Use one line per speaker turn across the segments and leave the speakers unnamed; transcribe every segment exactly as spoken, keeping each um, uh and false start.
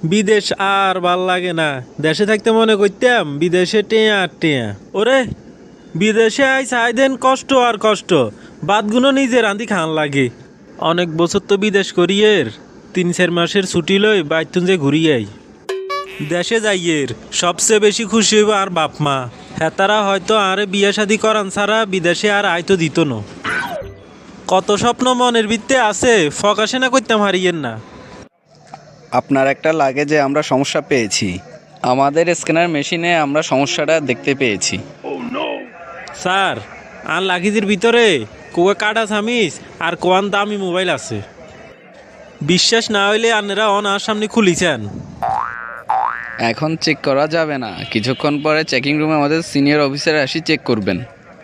বিদেশ আর ভাল লাগে না। দেশে থাকতে মনে করতাম বিদেশে টেয়া আর টেয়া। ওরে বিদেশে আই চাই দেন কষ্ট আর কষ্ট, বাদগুলো নিজে রাঁধি খান লাগে। অনেক বছর তো বিদেশ করিয়ের, তিন চার মাসের ছুটি লই বাইতুন যে ঘুরিয়াই। দেশে যাইয়ের সবচেয়ে বেশি খুশি হইব আর বাপ মা। হেতারা হয়তো আরে বিয়ে শাদি করান ছাড়া বিদেশে আর আইতো দিত না। কত স্বপ্ন মনের ভিত্তে আছে, ফকাশে না করতাম হারিয়েন না।
আপনার একটা লাগেজে আমরা সমস্যা পেয়েছি। আমাদের স্ক্যানার মেশিনে আমরা সমস্যাটা দেখতে পেয়েছি।
স্যার, আর লাগেজের ভিতরে কোয়া কাটা সামিস আর কোয়ান দামি মোবাইল আছে। বিশ্বাস না হইলে আপনারা অন আর সামনে খুলিছেন।
এখন চেক করা যাবে না, কিছুক্ষণ পরে চেকিং রুমে আমাদের সিনিয়র অফিসার আসি চেক করবেন।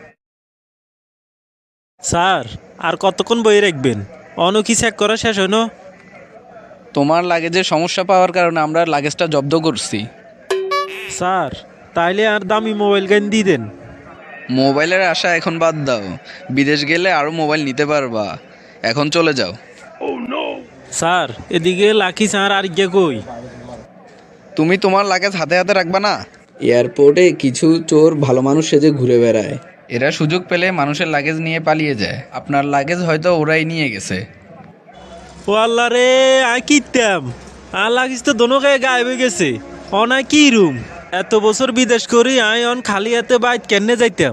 স্যার, আর কতক্ষণ বই রাখবেন? অন কি চেক করা শেষ হইন?
তোমার লাগেজে সমস্যা পাওয়ার কারণে আমরা লাগেজটা জব্দ করছি।
স্যার, তাইলে আর দামি মোবাইল গান দিয়ে দেন।
মোবাইলের আশা এখন বাদ দাও, বিদেশ গেলে আরও মোবাইল নিতে পারবা। এখন চলে যাও।
স্যার, এদিকে লাকি স্যার আর গিয়ে কই?
তুমি তোমার লাগেজ হাতে হাতে রাখবা না?
এয়ারপোর্টে কিছু চোর ভালো মানুষ সেজে ঘুরে বেড়ায়।
এরা সুযোগ পেলে মানুষের লাগেজ নিয়ে পালিয়ে যায়। আপনার লাগেজ হয়তো ওরাই নিয়ে গেছে।
ও আল্লাহ রে, আই কিতাম আর লাগিস তো দোনো গায়ে গায়েব হয়ে গেছে। অনাই কি রুম, এত বছর বিদেশ করি আই অন খালি হাতে বাইত কেনে যাইতাম।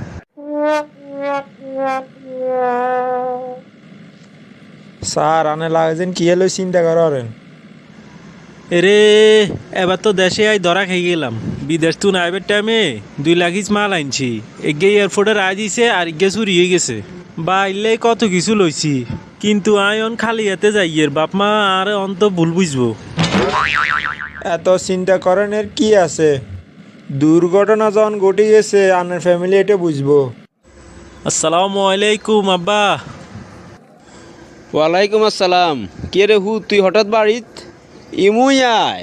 স্যার আনে লাগেছেন কি হলো চিন্তা করেন।
এরে এবার তো দেশে আই ধরা খেয়ে গেলাম। বিদেশ তু নাইবের টাইমে দুই লাগিস মাল আনছি, এগে এয়ারপোর্টে রায় দিছে আর এগে চুরি হয়ে গেছে। বাইলে কত কিছু লইছি, কিন্তু আই অন খালি হাতে যাইয়ের বাপ মা আর অন্ত ভুল বুঝবো।
এত চিন্তা করেন এর কি আছে, দুর্ঘটনা যখন ঘটে গেছে আনের ফ্যামিলি এটা বুঝবো।
আসসালামু আলাইকুম আব্বা।
ওয়ালাইকুম আসসালাম। কে রে হু, তুই হঠাৎ বাড়িত? ইমুই আয়।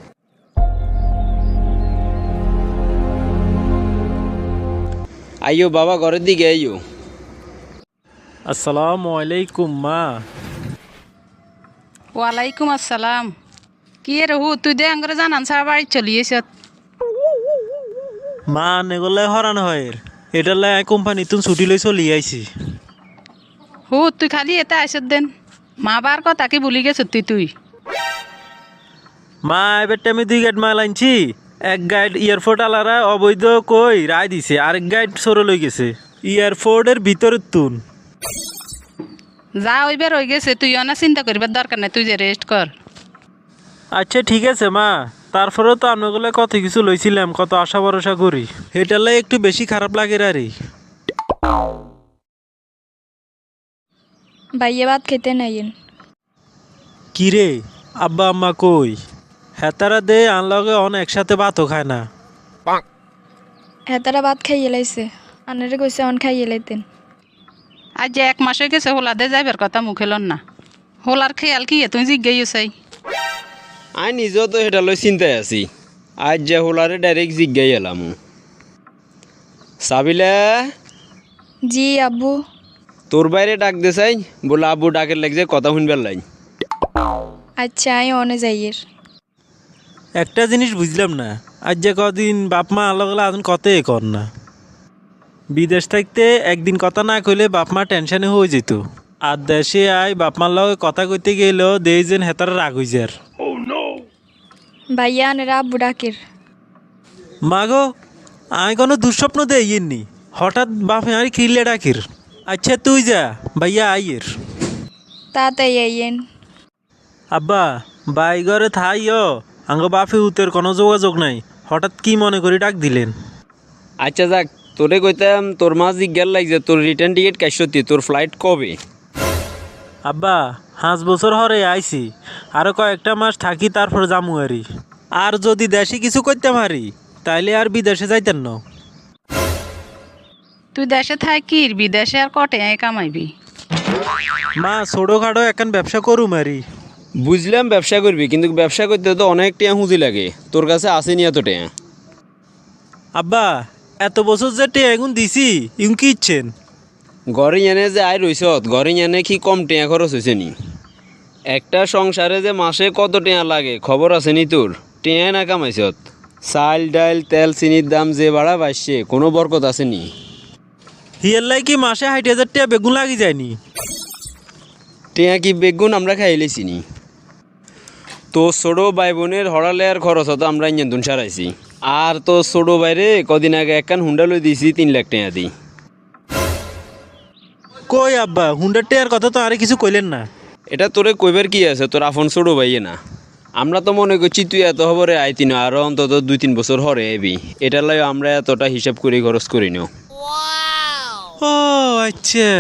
আইও বাবা, ঘরের দিকে আইও।
আসসালামু আলাইকুম মা।
ওয়ালাইকুম আসসালাম। কি রে হু, তুই দে আঙ্গরে জানান সারা বাড়ি চলিয়েছ।
মা নেগলে হরান হয়, এটা লাই কোম্পানি তুন ছুটি লই চলি আইছি।
হু তুই খালি এতে আইসত দেন, মা বার কথা কি ভুলি গেছ তুই তুই
মা এবার টাইমে দুই গাইড মাল আনছি। এক গাইড এয়ারপোর্ট আলারা অবৈধ কই রায় দিছে, আরেক গাইড সরে লই গেছে এয়ারপোর্টের ভিতরের তুন।
যা ওইবার হয়ে গেছে, তুই অনা চিন্তা করিবার দরকার নাই, তুই যে রেস্ট কর।
আচ্ছা ঠিক আছে মা, তারপরেও তো আপনাগুলো কত কিছু লইছিলাম, কত আশা ভরসা করি, এটালে একটু বেশি খারাপ লাগে রে।
ভাইয়া ভাত খেতে নাইয়েন।
কি রে আব্বা আম্মা কই? হেতারা দে আনলগে অন একসাথে ভাতও খায় না।
হেতারা ভাত খাইয়ে লাইছে, আনারে কইছে অন খাইয়ে লাইতেন।
আজ যে এক মাস হয়ে গেছে হোলাদে যাইবার কথা মুখে লন না। হোলার খেয়াল কি তুই জিজ্ঞাইও চাই।
আই নিজেও তো সেটা লই চিন্তায় আছি। আজ যে হোলারে ডাইরেক্ট জিজ্ঞাই এলাম। সাবিলা,
জি আব্বু।
তোর বাইরে ডাক দে চাই, বলে আব্বু ডাকের লাগছে কথা শুনবার লাই।
আচ্ছা আই অনে যাইয়ের।
একটা জিনিস বুঝলাম না, আজ যে কদিন বাপ মা আলাদা আজন কতই কর না। বিদেশ থাকতে একদিন কথা না কইলে বাপ মা টেনশনে হয়ে যেত, আর দেশে আয় বাপ মার লগে কথা কইতে গেলেও দেই যেন হেতারা রাগ হয়ে যার।
ভাইয়া আনেরা আব্বু ডাকের।
মা গো, আমি কোনো দুঃস্বপ্ন দেইনি, হঠাৎ বাপে আর কিরলে ডাকির। আচ্ছা তুই যা, ভাইয়া আইয়ের।
তাড়াতাড়ি আইয়েন।
আব্বা বাই ঘরে থাইও, আঙ্গ বাপে উতের কোনো যোগাযোগ নাই, হঠাৎ কি মনে করি ডাক দিলেন?
আচ্ছা যাক, তোরে কইতাম তোর মা জিজ্ঞার লাগছে তোর রিটার্ন টিকিট কাইসতি, তোর ফ্লাইট কবে?
আব্বা পাঁচ বছর হরে আইছি, আরো কয়েকটা মাস থাকি তারপর যামু আরি। আর যদি দেশে কিছু করতে পারি তাইলে আর বিদেশে যাইতেন না।
তুই দেশে থাকি বিদেশে আর কটে আয় কামাইবি?
মা ছোটোখাটো এখন ব্যবসা করুম আরি।
বুঝলাম ব্যবসা করবি, কিন্তু ব্যবসা করতে তো অনেক টিয়া হুঁজি লাগে, তোর কাছে আসেনি এত টিয়া।
আব্বা এত বছর যে টে এগুন দিছি ইউন কি ইচ্ছেন?
ঘরে এনে যে আয় রইছত, ঘরে এনে কি কম টিয়া খরচ হয়েছে নি? একটা সংসারে যে মাসে কত টেয়া লাগে খবর আছে নি তোর? টেয়া না কামাইছত? চাল ডাল তেল চিনির দাম যে বাড়া বাড়ছে কোনো বরকত আছে নি?
হিয়াল্লাই কি মাসে ষাট হাজার টাকা বেগুন লাগি যায়নি?
টেয়া কি বেগুন আমরা খাইলেছি নি? তো ছোটো ভাই বোনের হরালের খরচ হতো আমরা ইঞ্জন সারাইছি। আর তো ছোটো বাইরে কদিন আগে একখান হুন্ডা লই দিয়েছি তিন লাখ টাকা দিই।
কই আব্বা, হুন্ডার টাকার কথা তো আরে কিছু কইলেন না।
এটা তোরে কইবার কি আছে, তোর আপন ছোটো ভাইয়ে না। আমরা তো মনে করছি তুই এত হবরে আইতি না, আরও অন্তত দুই তিন বছর হরে এবি, এটার লাই আমরা এতটা হিসাব করে খরচ করি নাও।
ও আচ্ছা।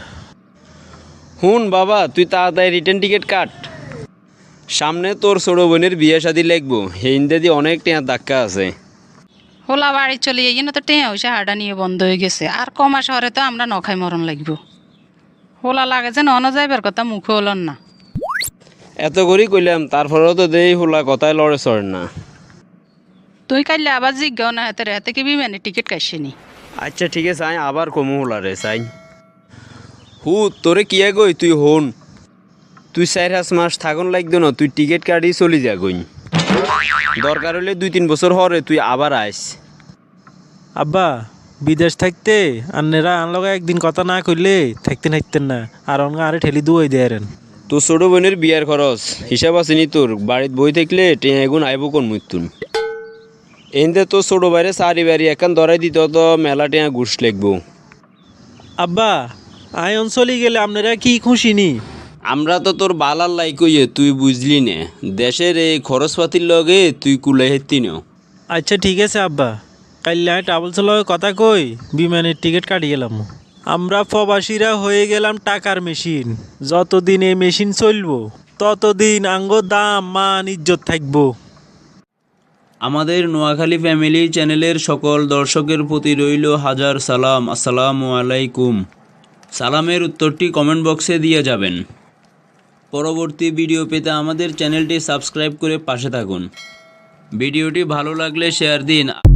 হুন বাবা, তুই তাড়াতাড়ি রিটার্ন টিকিট কাট, সামনে তোর ছোটো বোনের বিয়ে শাদি লাগবো, হিন্দে দিয়ে অনেক টেয়ার ধাক্কা আছে।
হোলা বাড়ি চলে যাই না তো টেঁ হয়েছে, হাড়া নিয়ে বন্ধ হয়ে গেছে। আর কমা শহরে তো আমরা নখাই মরণ লাগবো। হোলা লাগে যে নন যাইবার কথা মুখে হলন না।
এত করি কইলাম, তারপরেও তো দেই হোলা কথায় লড়ে চড়ে না।
তুই কাইলে আবার জিজ্ঞাও না হাতে হাতে কি বিমানের টিকিট কাটছিনি।
আচ্ছা ঠিক আছে, আই আবার কমু হোলা রে চাই। হু তোরে কি গই তুই হন, তুই চার পাঁচ মাস থাকুন লাগতো না, তুই টিকিট কাটি চলি যা গই, দরকার হলে দুই তিন বছর হরে তুই আবার আইস।
আব্বা, বিদেশ থাকতে আন্নেরা আনলগা একদিন কথা না কইলে থাকতে থাকতেন না, আর অনগা আরে ঠেলি দুই দেয়ারেন।
তোর ছোটো বোনের বিয়ার খরচ হিসাব আছে নি তোর? বাড়িত বই থাকলে টেঁ এগুন আইব কোন মৃত্যুন। এনতে তোর ছোটো বাইরে সারি বাড়ি একান ধরাই দিত তো মেলা টেঁ ঘুষ লাগবো।
আব্বা, আই অঞ্চলে গেলে আপনারা কি খুশি নি?
আমরা তো তোর বালার লাই কইয়ে তুই বুঝলি নে, দেশের এই খরচপাতির লগে তুই কুলাই হেতি ন।
আচ্ছা ঠিক আছে আব্বা, কাইলে আমি ট্রাভেলসের লগে কথা কই বিমানের টিকিট কাটি গেলাম। আমরা প্রবাসীরা হয়ে গেলাম টাকার মেশিন, যতদিন এই মেশিন চলবো ততদিন আঙ্গো দাম মান ইজ্জত থাকবো।
আমাদের নোয়াখালী ফ্যামিলি চ্যানেলের সকল দর্শকের প্রতি রইল হাজার সালাম। আসসালামু আলাইকুম। সালামের উত্তরটি কমেন্ট বক্সে দিয়ে যাবেন। পরবর্তী ভিডিও পেতে আমাদের চ্যানেলটি সাবস্ক্রাইব করে পাশে থাকুন। ভিডিওটি ভালো লাগলে শেয়ার দিন।